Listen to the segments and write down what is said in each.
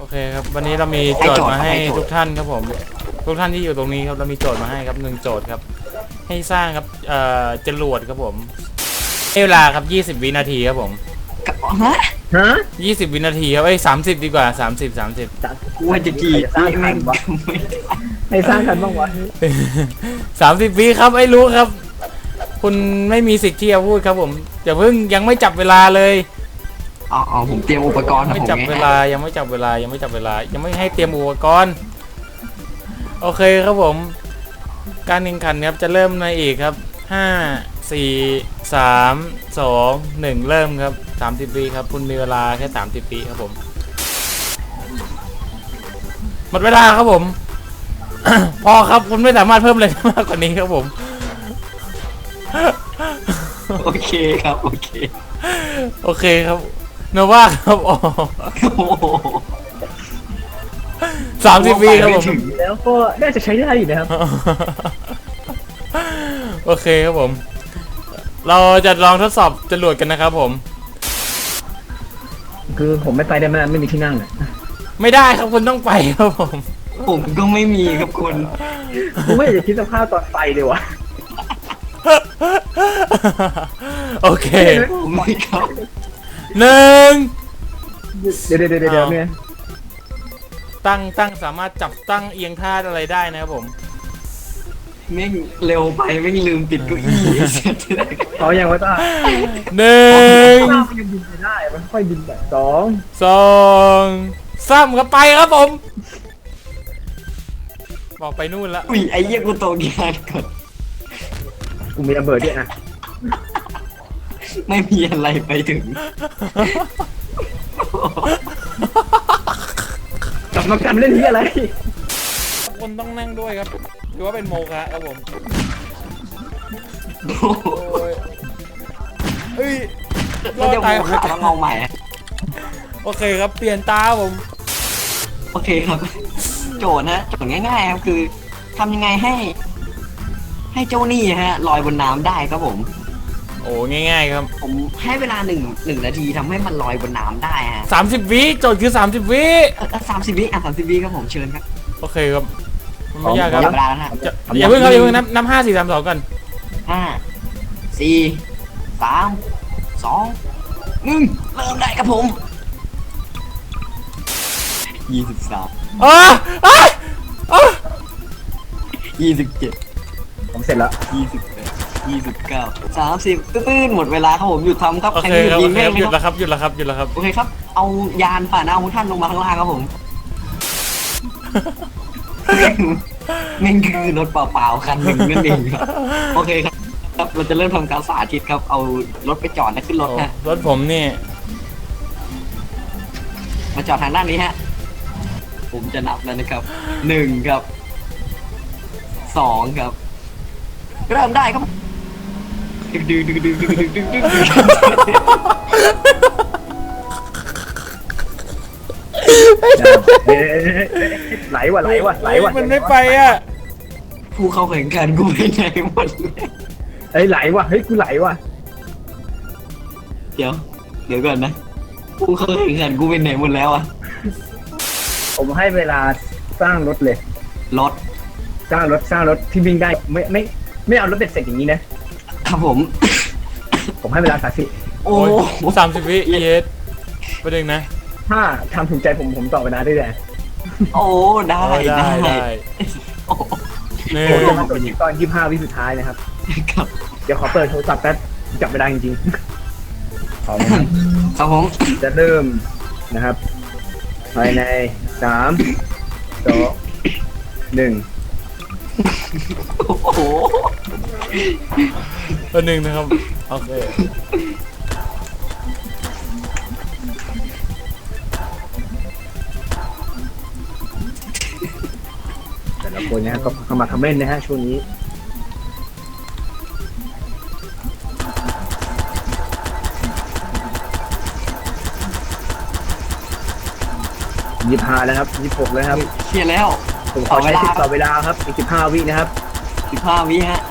โอเคครับวันนี้เรามีโจทย์มาให้ทุกท่านครับผมทุกท่านที่อยู่ตรงนี้ครับเรามีโจทย์มาให้ครับ1โจทย์ครับให้สร้างครับจรวดครับผมเวลาครับ20 วินาทีครับผมฮะ 20 วินาทีครับ30ดีกว่า30 กูว่าจะจีบไม่ไม่ให้สร้างกันบ้างวะ 30 วิครับรู้ครับคุณไม่มีสิทธิ์ที่จะพูดครับผมอย่าเพิ่งยังไม่จับเวลาเลยอ๋อผมเตรียมอุปกรณ์ครับไม่ผมจับเวลายังไม่จับเวลายังไม่ให้เตรียมอุปกรณ์โอเคครับผมการแข่งขันครับจะเริ่มในอีกครับ5 4 3 2 1เริ่มครับ30 วิครับคุณมีเวลาแค่30 วิครับผมหมดเวลาครับผม พอครับคุณไม่สามารถเพิ่มอะไรมากกว่านี้ครับผมโอเคครับโอเคโอเคครับโนว่าครับอ๋อโอ้โห 30 วิครับผมแล้วก็น่าจะใช้ได้อยู่นะครับโอเคครับผมเราจะลองทดสอบจรวดกันนะครับผมคือผมไม่ไปได้ไหมไม่มีที่นั่งอ่ะไม่ได้ครับคุณต้องไปครับผมผมก็ไม่มีครับคุณกูไม่อยากจะคิดสภาพตอนไปเลยวะโอเคผมไม่ครับ 1 เดี๋ยวเนี่ยตั้งสามารถจับตั้งเอียงท่าอะไรได้นะครับผมแม่งเร็วไปแม่งลืมปิดเก้าอี้เขายังว่าต้าหนึ่งต้ามันยังบินไปได้มันค่อยบินแบบ2 2 3ครับไปครับผมบอกไปนู่นละอุ้ยไอ้เหี้ยกูโตกีฬาก่อนกูมีระเบิดด้วยนะไม่มีอะไรไปถึงกลับมากันเล่นที่อะไรคนต้องนั่งด้วยครับหรือว่าเป็นโมฆะครับผมโอ้ยเอ้ยรแล้วอดเดี๋ยวตายผมจะลองใหม่โอเคครับเปลี่ยนตาครับผมโอเคครับ โจทย์นะโจทย์ง่ายๆครับคือทำยังไงให้เจ้าหนี้ฮะลอยบนน้ำได้ครับผมโอ้ง่ายๆครับผมให้เวลาหนึ่งนาทีทำให้มันลอยบนน้ำได้ฮะ 30 วิโจทย์คือ30 วิ 30 วิ30 วิครับผมเชิญครับโอเคครับมันไม่ยากครับจับเวลาแล้วนะอย่าเพิ่งครับอย่าเพิ่งนับ5 4 3 2ก่อน 5 4 3 2 1เริ่มได้ครับผม23 อ๋ออ๋ออ๋อ 27 ผมเสร็จแล้ว 28 29 30ตื้นๆหมดเวลาครับผมหยุดทำครับโอใครเคหยุดครับยิโอง เคได้ครับไหมหยุดคแล้รับวครับหยุดแล้วครับหยุดแล้วครับโอเคครับเอายานผ่านเอาของท่านลงมาข้างล่างครับผม แม่งคือรถเปล่าๆคันหนึ่งนั่นเองครับโอเคครับครับเราจะเริ่มทำการสาธิตครับเอารถไปจอดและขึ้นรถโอ้ฮะรถผมนี่มาจอดทางด้านนี้ฮะผมจะนับแล้วนะครับ1ครับ2ครับเริ่มได้ครับดึงไหลว่ะมันไม่ไปอ่ะผู้เข้าแข่งขันกูไปไหนหมดเลยเฮ้ยไหลว่ะเฮ้ยกูไหลว่ะเดี๋ยวก่อนนะผู้เข้าแข่งขันกูไปไหนหมดแล้วอะผมให้เวลาสร้างรถเลยรถสร้างรถที่วิ่งได้ไม่เอารถเบ็ดเสร็จอย่างนี้นะครับผมผมให้เวลาโอ้โอ้ย30 วิเยสประเด็นนะถ้าทำถูกใจผมต่อเวลาได้เลยโอ้ได้ได้โอ้หนึ่งผมจะมาจบที่ตอน25 วิสุดท้ายนะครับครับเดี๋ยวขอเปิดโทรศัพท์แป๊บจับเวลาจริงๆขอนะครับครับผมจะเริ่มนะครับภายใน3 2 1 โอ้โหประเด็นนะครับโอเคแต่ละคนนะฮะก็เข้ามาคอมเมนต์นะฮะช่วงนี้25แล้วครับ26แล้วครับเคลียร์แล้วผมขอใช้สิทธิ์ต่อเวลาครับอีก15 วินะครับ 15 วิฮะ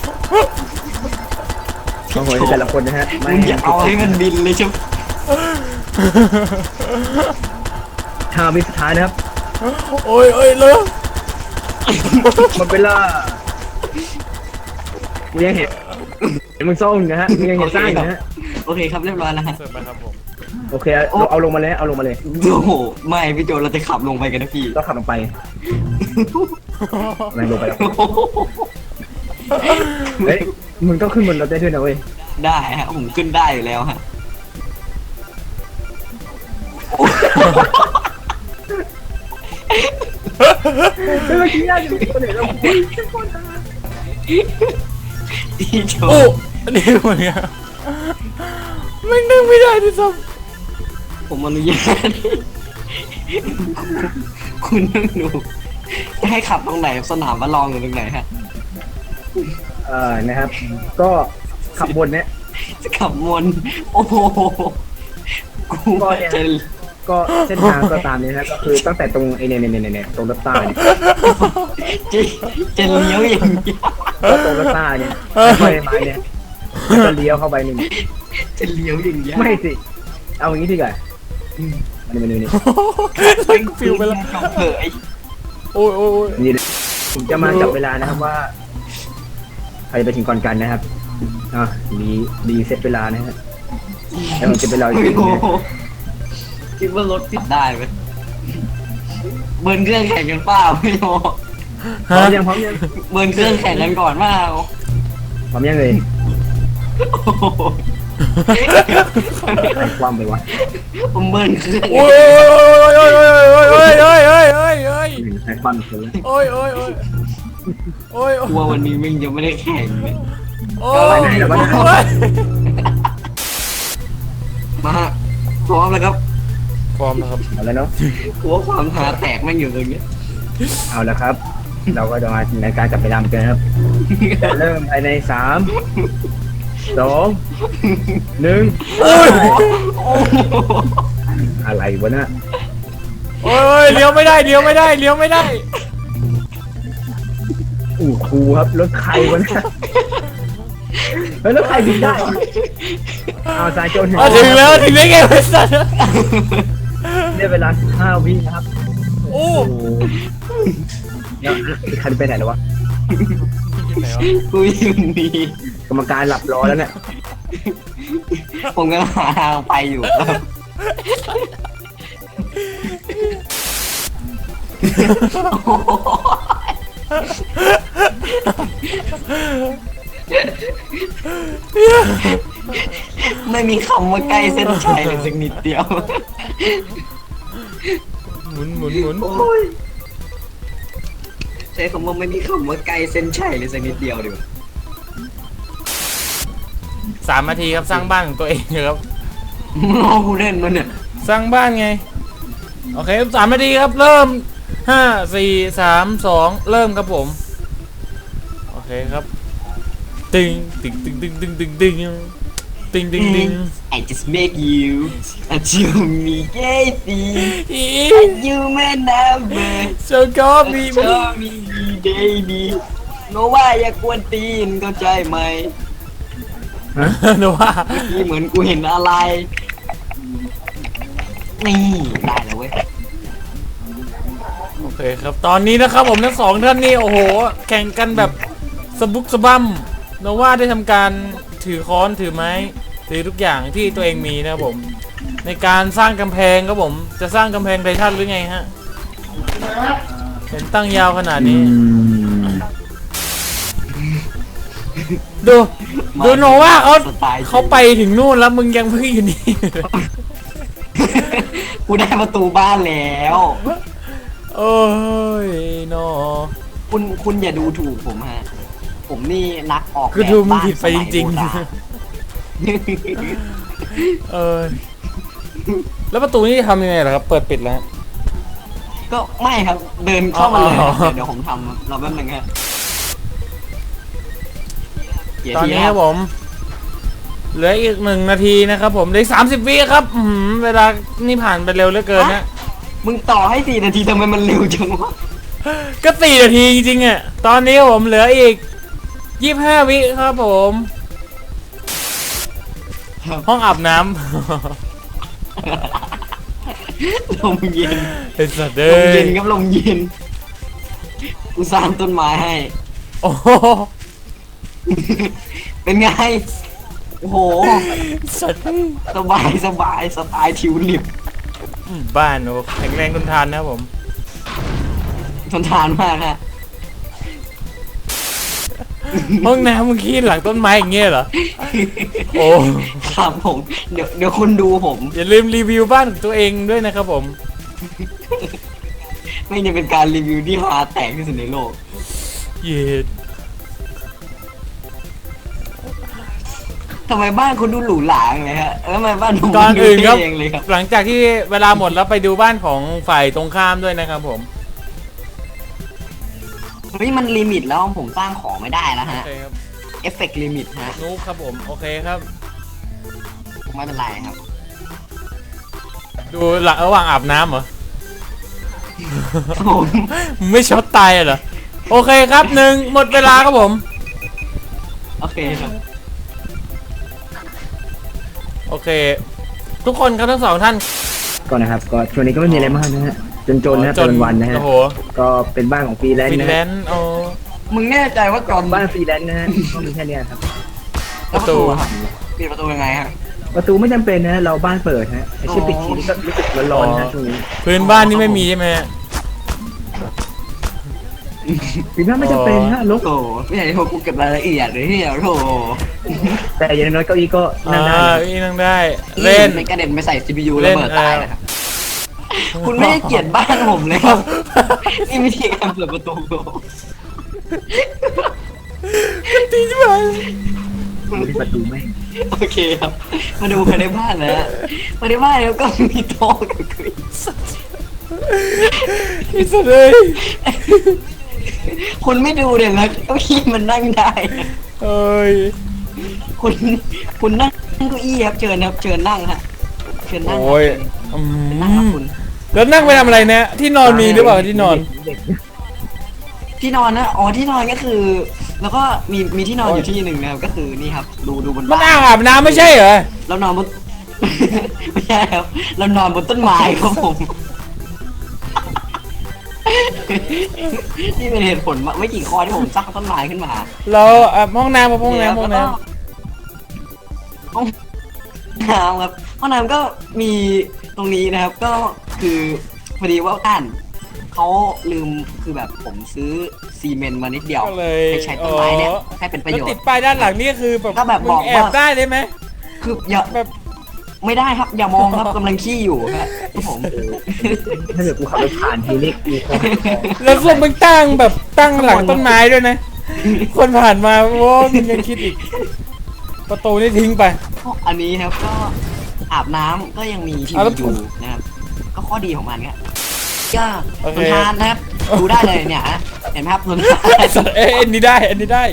โอ้โหแต่ละคนนะฮะมึงอย่าเอาให้มันบินเลยใช่ไหม 5 วิสุดท้ายนะครับโอ้ยโอ้ยเลยหมดเวลากูยังเห็นมึงซ่องนะฮะมึงยังเห็นสร้างอยู่นะฮะโอเคครับเรียบร้อยแล้วฮะเสร็จแล้วครับผมโอเคเอาลงมาเลยเอาลงมาเลยโอ้โหไม่พี่โจเราจะขับลงไปกันนะพี่ก็ขับลงไปอะไรลงไปแล้วเฮ้ยมึงต้องขึ้นบนรถได้ด้วยนะเว้ยได้ฮะผมขึ้นได้อยู่แล้วฮะเมื่อกี้ยากอยู่คนไหนเราพี่โจโอ้อันนี้มันเนี่ยไม่นึกไม่ได้ที่ซ้ผมอนุญาตคุณนั่งดูจะให้ขับตรงไหนสนามว่าลองอยู่ตรงไหนฮะนะครับ ก็ขับบนเนี้ยจะขับมนโอ้โหกูก็เนี่ยจะก็เส้นทางก็ตามนี้นะก็คือตั้งแต่ตรงไอ้เนี่ยตรงรถใต้เนี่ยจะจะเลี้ยวอย่างเดียวก็ตรงรถใต้เนี่ยไปไม้เนี่ยแล้วก็เลี้ยวเข้าไปหนึ่งจะเลี้ยวอย่างเดียวไม่สิเอาอย่างนี้ดีกว่ามันนี่ำเป็นฟิวไปแล้วจบเถอะไอ้โอ้ยโอ้ยโอ้ยนี่ผมจะมาจับเวลานะครับว่าใครไปถึงก่อนกันนะครับดีเซตเวลานะฮะแล้วผมจะไปรออีกทีโอ้นะโหคิดว่ารถติดได้ไหมเบิร์นเครื่องแข่งกันเปล่าพี่โมพร้อมยังเบิร์นเครื่องแข่งกันก่อนเปล่าพร้อมยังเลยโอ้โหไอ้ความไปวะผมเบิร์นเครื่องโอ้ยโอ้ยโอ้ยโอ้ยโอ้ยโอ้ยโอ้ยโอ้ยโอ้ยไอ้ความเสือโอ้ยโอ้ยโอ้ยโอ้ยกลัววันนี้มึงยังไม่ได้แข่งเลยโอ้ยมาฮะพร้อมแล้วครับพร้อมแล้วครับเอาแล้วเนาะกลัวความหาแตกแม่งอยู่ตรงนี้เอาแล้วครับ เราก็จะมาในการจับเวลากันครับเริ่มภายใน3 2 1 โอ้ยอะไรวะน่ะโอ้ยเลี้ยวไม่ได้เลี้ยวไม่ได้เลี้ยวไม่ได้ครูครับรถใครวะน่ะเฮ้ยรถใครบินได้เอาสายโจนถึงแล้วถึงได้ไงวะสัตว์เนี่ยเวลา15 วินะครับโอ้โอ้โหแล้วใครไปไหนแล้ววะไหนวะกูอยู่นี่กรรมการหลับรอแล้วเนี่ยผมกำลังหาทางไปอยู่ครับไม่มีคำว่าใกล้เส้นชัยเลยสักนิดเดียวหมุนหมุนหมุนโอ้ยใช้คำว่าไม่มีคำว่าใกล้เส้นชัยเลยสักนิดเดียวดีกว่า 3 นาทีครับสร้างบ้านของตัวเองครับรอกูเล่นมันเนี่ยสร้างบ้านไงโอเค3 นาทีครับเริ่ม5 4 3 2เริ่มครับผมโอเคครับตึงตึงตึงตึงตึงตึงตึงตึงตึงตึง I just make you until me gay you may never โชก็มี show me baby โนว่าอย่ากวนตีนเข้าใจไหมโนว่านี่เหมือนกูเห็นอะไร นี่ได้แล้วเว้ยโอเคครับตอนนี้นะครับผมทั้ง2 ท่านนี่โอ้โหแข่งกันแบบสะบุกสะบั้มโนว่าได้ทำการถือค้อนถือไม้ถือทุกอย่างที่ตัวเองมีนะครับผมในการสร้างกำแพงครับผมจะสร้างกำแพงไททันหรือไงฮะเห็นตั้งยาวขนาดนี้ดูโนว่าเขาไปถึงนู่นแล้วมึงยังเพิ่งอยู่นี่กูได้ประตูบ้านแล้วโอ้ยโนคุณอย่าดูถูกผมฮะ ผมนี่นักออกแบบคือดูมึงผิดไปจริงบ้านสมัยโบราณแล้วประตูนี่ทำยังไงล่ะครับเปิดปิดแล้วก็ไม่ครับเดินเข้ามาเลยอ๋อเดี๋ยวผมทำเราแป๊บนึงฮะเดี๋ยวตอนทีนี้คครัรับบผมเหลืออีก1 นาทีนะครับผมเหลือ30 วิครับเวลานี่ผ่านไปเร็วเหลือเกินนะมึงต่อให้4 นาทีทำไมมันเร็วจังวะก็4 นาทีจริงๆอ่ะตอนนี้ผมเหลืออีก25 วิครับผมห้องอาบน้ำลมเย็นไอ้สัตว์ลเอ้มเย็ยนครับลมเย็นกูสร้างต้นไม้ให้โอ้โหเป็นไงโอ้โหสัตว์สบายสบายสไตล์ทิวลิปบ้านโอ้แข็งแรงทนทานนะครับผมทนทานมากฮะห้องน้ำมึงขี้หลังต้นไม้อย่างเงี้ยเหรอโอ้ครับผมเดี๋ยวคุณดูผมอย่าลืมรีวิวบ้านของตัวเองด้วยนะครับผมไม่จะเป็นการรีวิวที่ฮาแตกที่สุดในโลกเย็ดทำไมบ้านคุณดูหรูหราอย่างเลยฮะแล้วทำไมบ้านผมก่อนอื่นครับดูเท่เองเลยครับหลังจากที่เวลาหมดแล้วไปดูบ้านของฝ่ายตรงข้ามด้วยนะครับผมเฮ้ยมันลิมิตแล้วผมสร้างของไม่ได้แล้วโอฮะเคครับเอฟเฟกต์ลิมิตฮะนุ๊กครับผมโอเคครับไม่เป็นไรครับดูหลังระหว่างอาบน้ำเหรอผมมึงไม่ช็อตตายเหรอโอเคครับหนึ่งหมดเวลาครับผมโอเคครับโอเค ทุกคนครับทั้งสองท่านก่อนนะครับก็ช่วงนี้ก็ไม่มีอะไรมากนะฮะจนๆนะเป็นวันนะฮะโอ้โหก็เป็นบ้านของฟรีแลนฟิซ์นนะแลฮะนด์โอ้มึงแน่ใจว่าก่อนบ้านฟรีแลนซ์นะฮะก็มีแค่เนี้ยครับแล้วประตูอะครับปิดประตูยังไงฮะประตูไม่จำเป็นนะเราบ้านเปิดฮะไอชิปปิดทีนี่ก็รู้สึกร้อนๆนะช่วงนี้พื้นบ้านนี่ไม่มีใช่ไหมฮะฟรีแลนซ์ไม่จำเป็นฮะลกโถไม่อยากให้ผมกูเก็บรายละเอียดเลยที่เดียวโถแต่อย่างน้อยเก้าอี้ก็นั่งได้นะอีนั่งได้เล่นไม่กระเด็นไปใส่ CPU เล่ระนเบิดตายนะครับคุณไม่ได้เกลียดบ้านผมเลยครับนี่วิธีการเปิดประตูตีใช่ไหมดูที่ประตูไม่โอเคครับ มาดูภายในบ้านนะฮะภายในบ้านแล้วก็มีโต๊ะกับเก้าอี้ไอ้สัตว์เลยคุณไม่ดูเลยนะเก้าอี้มันนั่งได้นะเอ้ยคุณนั่งเก้าอี้ครับเชิญครับเชิญนั่งฮะเชิญนั่งโอ้ยอืนั่งครับมคุณแล้วนั่งไปทำอะไรเนี่ยที่นอนมีหรือเปล่าที่นอนเด็กที่นอนนะอ๋อที่นอนก็คือ แล้วก็มีที่นอนอยู่ที่หนึ่งนะครับก็คือนี่ครับดูบนมันบ้านอ่างอาบน้ำไม่ใช่เหรอเรานอนบน ไม่ใช่ครับเรานอนบนต้นไม้ครับผม นี่เป็นเหตุผลไม่กี่ข้อที่ผมสร้างต้นไม้ขึ้นมาเราห้องน้ำกับห้องน้ำห้องน้ห้องน้ำครับห้องน้ำก็มีตรงนี้นะครับ ก็คือพอดีว่าบ้านเขาลืมคือแบบผมซื้อซีเมนต์มานิดเดียวำก็เลยไปใช้ต้นไม้เนี่ยให้เป็นประแล้วโยชติดน์ป้ายด้านหลังนี่คือแบบก็แบบมึบอกงแอว่าบได้เลยไหมคืออย่าแบบไม่ได้ครับ อย่ามองครับกำลังขี้อยู่ครับผมถ้าเกิดกูขับรถผ่านทีนี่กูคงแล้วพวกมึงตั้งแบบตั้งหลังต้นไม้ด้วยนะ คนผ่านมาโว้ยมึงยังคิดอีก ประตูนี่ทิ้งไปอันนี้ครับก็อาบน้ำก็ยังมีทีเอาแล้วีวอยู่นะครับ ก็ข้อดีของมันครับก็โอทเคนทานนะครับ ดูได้เลยเนี่ยฮะเห็นไหมครับทนทานไอ้สัตว์อันนี้ได้อันนี้ได้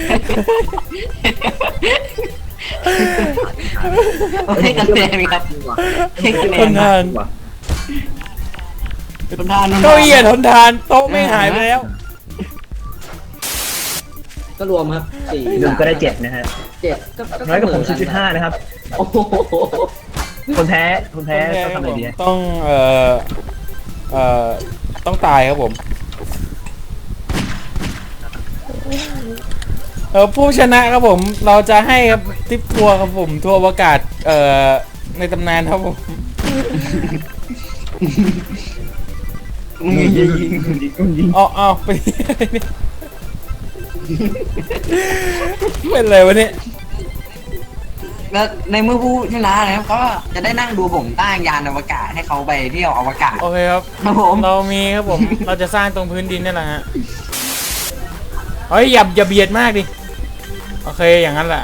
ให้คะแนนครับให้คะแนทนนคทารับนทนทานเก้าอี้อะทนทานโต๊ะไม่หายไปแล้วก็รวมครับสี่รวมก็ได้7นะฮะเจ็ดน้อยกว่าผม0.5นะครับโอ้โหคนแพ้ต้องทำอะไรดีต้องต้องตายครับผมผู้ชนะครับผมเราจะให้ครับทริปทัวร์ครับผมทัวร์อวกาศในตำนานครับผมมึงอย่ายิงเอาไป เป็นไรวะเนี่ยแล้วในเมื่อผู้ชนะนะครับก็จะได้นั่งดูผมตั้งยานอวกาศให้เขาไปเที่ยวอวกาศโอเคครับครับผมเรามีครับผม เราจะสร้างตรงพื้นดินนี่แหละฮะเฮ้ยอย่าเบียดมากดิโอเคอย่างนั้นแหละ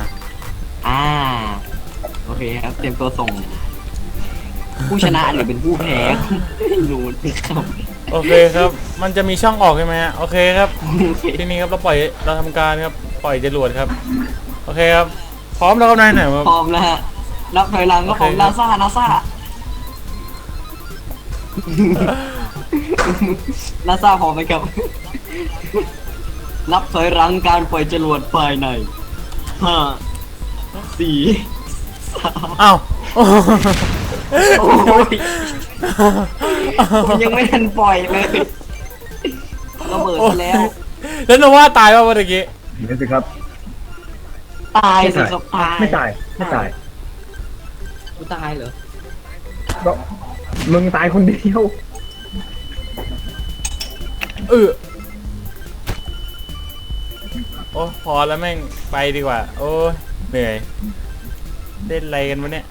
โอเคครับเตรียมตัวส่ง ผู้ชนะหรือเป็นผู้แพ้ไม่รู้นะครับโอเคครับ มันจะมีช่องออกใช่ไหมฮะโอเคครับ ทีนี้ครับเราทำการครับปล่อยจรวดครับโอเคครับพร้อมแล้วครับนายหน่อยครับพร้อมแล้วฮะนับถอยหลังก็ผมโอเคครันาบซานาซาพร้อมไหมครับ นับถอยหลังการปล่อยจรวดภายใน5 4 3 อ้าวโอ้ยผมยังไม่ทันปล่อยเลยระเบิดซะแล้วแล้วโนว่าตายป่ะเมื่อกี้เดี๋ยวสิครับตายสิครับตายไม่ตายไม่ตายกูตายเหรอก็มึงตายคนเดียวโอ้พอแล้วแม่งไปดีกว่า โอ้เหนื่อยเล่นอะไรกันวะเนี่ย